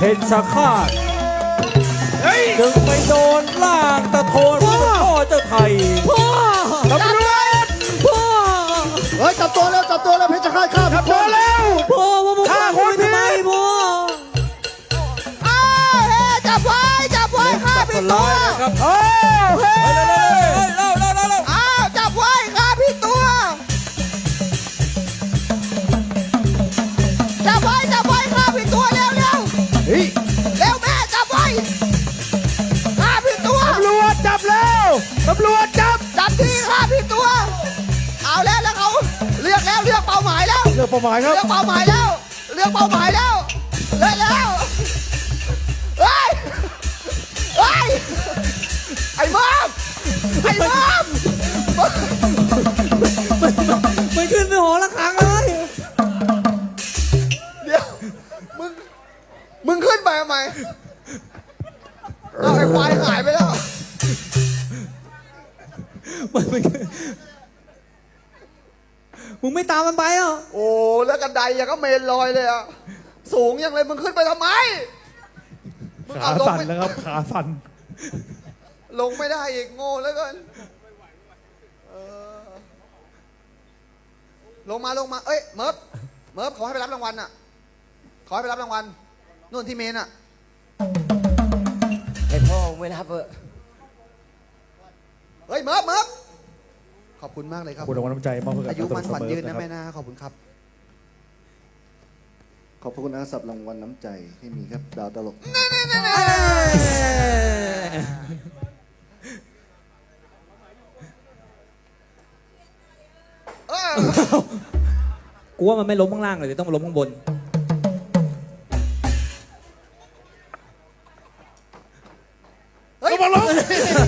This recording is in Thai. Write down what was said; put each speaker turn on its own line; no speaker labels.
เพชรฆาตจึงไปโดนล่างตะโทนพ่อเจ้าไทยพ่อตำรวจพ่อ
เฮ้ยจับตัวแล้วเพชรฆาตฆ่าจับตัวแล้ว
พ่อว่าพ่อคนทำไมพ่อ
อ้าวเฮ้จับไว้ข้าผิดตัว
ครับเฮ้ยเร็ว
อ้าวจับไว้ข้าผิดตัวจับไว้ข้าผิดตัวเร็ว
เฮ้ย
เร็วแม่จับไว้ข้าผิดตัว
ตำรวจจับแล้วตำรวจจับ
จับที่ข้าผิดตัวเอาแล้วเขาเลือกเป้าหมายแล้ว
เรื่องเป้าหมายครับ
เลือกเป้าหมายแล้วเลือกแล้วเฮ้ยไอ้มอม
ไม่ขึ้นไปหอระฆังเลย
เดี๋ยวมึงขึ้นไปทำไมเอาไอ้ควายหายไปแล้ว
มึงไม่ตามมันไปอ่ะ
โอ้แล้วกันไดยังก็เมนลอยเลยอ่ะสูงยังเลยมึงขึ้นไปทำไมมึง
ขา
เอาลง
สั่น
ไม่
แล้วครับขาสั่น
ลงไม่ได้อีกโง่แล้วกันลงมาเอ้ยเมิร์ฟขอให้ไปรับรางวัลอ่ะขอให้ไปรับรางวัลนู่นที่เมนอ่ะ
ให้พ่อไม่รับเออ
เฮ้ยเมิร์ฟขอบคุณมากเลยครับ
คุณรางวัลน้ำใจมอบให้กับ
อายุมันขวัญยืนนะ
ครับ
แม่นะขอบคุณครับ
ขอบคุณนะสำหรับรางวัลน้ำใจที่มีครับดาวตลก
กูว่ามันไม่ล้มข้างล่างเลยต้องมาล้มข้างบน
เฮ้ย
มาลง